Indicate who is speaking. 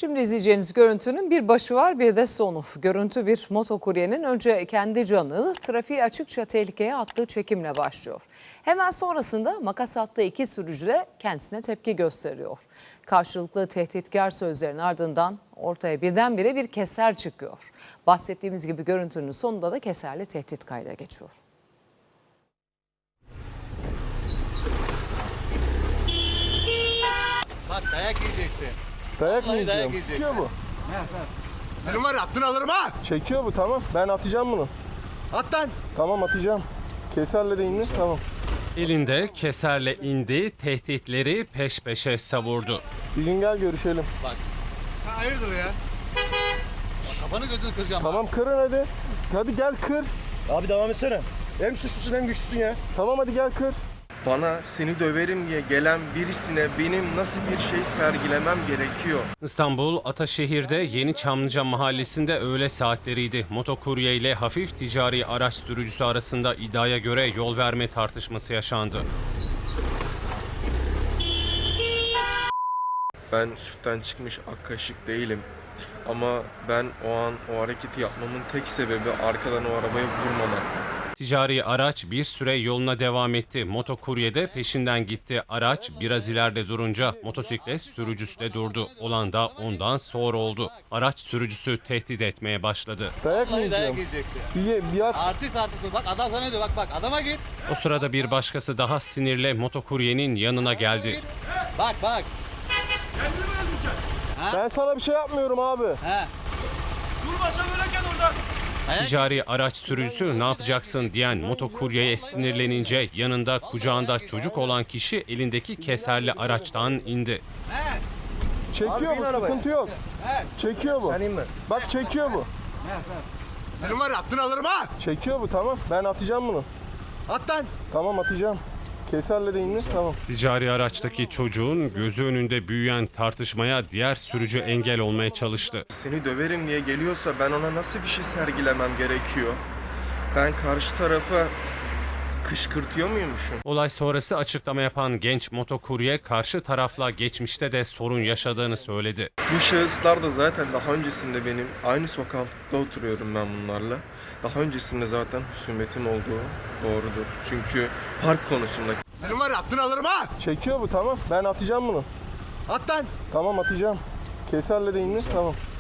Speaker 1: Şimdi izleyeceğiniz görüntünün bir başı var, bir de sonu. Görüntü bir motokuryenin önce kendi canını trafiği açıkça tehlikeye attığı çekimle başlıyor. Hemen sonrasında makas attığı iki sürücü de kendisine tepki gösteriyor. Karşılıklı tehditkar sözlerin ardından ortaya birdenbire bir keser çıkıyor. Bahsettiğimiz gibi görüntünün sonunda da keserli tehdit kayda geçiyor.
Speaker 2: Bak dayak yiyeceksin.
Speaker 3: Dayak mı
Speaker 2: Vallahi
Speaker 3: yiyeceğim?
Speaker 2: dayak yiyeceksin.
Speaker 3: Çekiyor bu.
Speaker 4: Senin var ya aklını alırım ha.
Speaker 3: Çekiyor bu, tamam. Ben atacağım bunu.
Speaker 4: At lan.
Speaker 3: Tamam, atacağım. Keserle de indi. Tamam.
Speaker 5: Elinde keserle indi, tehditleri peş peşe savurdu.
Speaker 3: Bir gün gel görüşelim.
Speaker 4: Sen hayırdır ya?
Speaker 2: Bak, kafanı gözünü kıracağım.
Speaker 3: Tamam, kırın hadi. Hadi gel kır.
Speaker 6: Abi devam etsene. Hem suçlusun hem güçlüsün ya.
Speaker 3: Tamam, hadi gel kır.
Speaker 7: Bana seni döverim diye gelen birisine benim nasıl bir şey sergilemem gerekiyor?
Speaker 5: İstanbul Ataşehir'de Yeni Çamlıca mahallesinde öğle saatleriydi. Motokurye ile hafif ticari araç sürücüsü arasında iddiaya göre yol verme tartışması yaşandı.
Speaker 7: Ben sütten çıkmış ak kaşık değilim. Ama ben o an o hareketi yapmamın tek sebebi arkadan o arabaya vurmamaktı.
Speaker 5: Ticari araç bir süre yoluna devam etti. Motokurye de peşinden gitti. Araç biraz ileride durunca motosiklet sürücüsü de durdu. Olan da ondan sonra oldu. Araç sürücüsü tehdit etmeye başladı.
Speaker 3: Dayak mı
Speaker 2: Vallahi dayak
Speaker 3: yiyeceğim?
Speaker 2: yiyeceksin.
Speaker 3: Bir at.
Speaker 2: Artist. Bak adam sana diyor. Bak adama git.
Speaker 5: O sırada bir başkası daha sinirle motokuryenin yanına geldi.
Speaker 2: Bak.
Speaker 3: Ben sana bir şey yapmıyorum abi.
Speaker 2: He.
Speaker 5: Ticari araç sürücüsü ne yapacaksın diyen motokuryeye sinirlenince yanında kucağında çocuk olan kişi elindeki keserli araçtan indi.
Speaker 3: Çekiyor
Speaker 6: Abi,
Speaker 3: bu,
Speaker 6: bin arabaya.
Speaker 3: sıkıntı yok. Çekiyor bu.
Speaker 6: Sen inme.
Speaker 3: Bak, çekiyor bu.
Speaker 4: Senin var ya aklını alırım ha.
Speaker 3: Çekiyor bu, tamam. Ben atacağım bunu.
Speaker 4: At lan.
Speaker 3: Tamam, atacağım. Keserle de indi. Tamam.
Speaker 5: Ticari araçtaki çocuğun gözü önünde büyüyen tartışmaya diğer sürücü engel olmaya çalıştı.
Speaker 7: Seni döverim diye geliyorsa ben ona nasıl bir şey sergilemem gerekiyor? Ben karşı tarafa kışkırtıyor muymuşum?
Speaker 5: Olay sonrası açıklama yapan genç motokurye karşı tarafla geçmişte de sorun yaşadığını söyledi.
Speaker 7: Bu şahıslar da zaten daha öncesinde benim aynı sokakta oturuyorum ben bunlarla. Daha öncesinde zaten husumetim olduğu doğrudur. Çünkü park konusunda
Speaker 4: Senin var ya aklını alırım ha.
Speaker 3: Çekiyor bu, tamam. Ben atacağım bunu.
Speaker 4: At lan.
Speaker 3: Tamam, atacağım. Keserle de indi. Tamam.